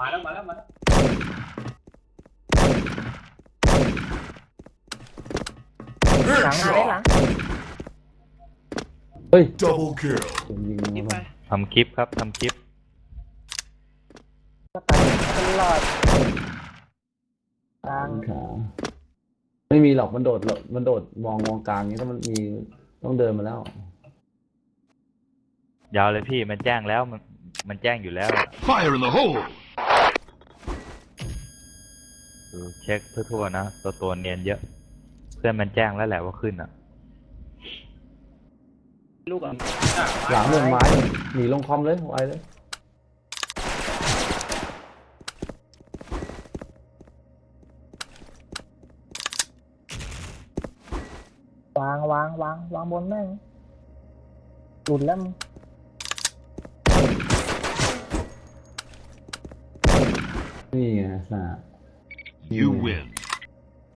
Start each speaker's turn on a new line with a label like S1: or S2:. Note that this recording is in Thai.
S1: มาแล้วมาแล้วมาแล้ว
S2: หลังมาได้หลัง
S3: เฮ้ย
S4: Double kill.
S3: ยิง
S1: ยิง
S3: มา
S1: ไป
S5: ทำคลิปครับทำคลิป
S2: ก็ตายตลอดกลาง
S3: ขาไม่มีหรอกมันโดดมองกลางนี้ถ้ามันมีต้องเดินมาแล้ว
S5: ยาวเลยพี่มันแจ้งแล้วมันแจ้งอยู่แล้ว
S4: Fire in the hole.
S5: ดูเช็คทั่วๆนะตัวเนียนเยอะ เพื่อนมันแจ้งแล้วแหละว่าขึ้นอ่ะ
S1: ลูกอ่ะ
S3: หลังเรื่องไม้หนีลงคอมเลยไวเลย
S2: วางบนแม่งหลุดแล้วมึง
S3: นี่ไงสา
S4: You win.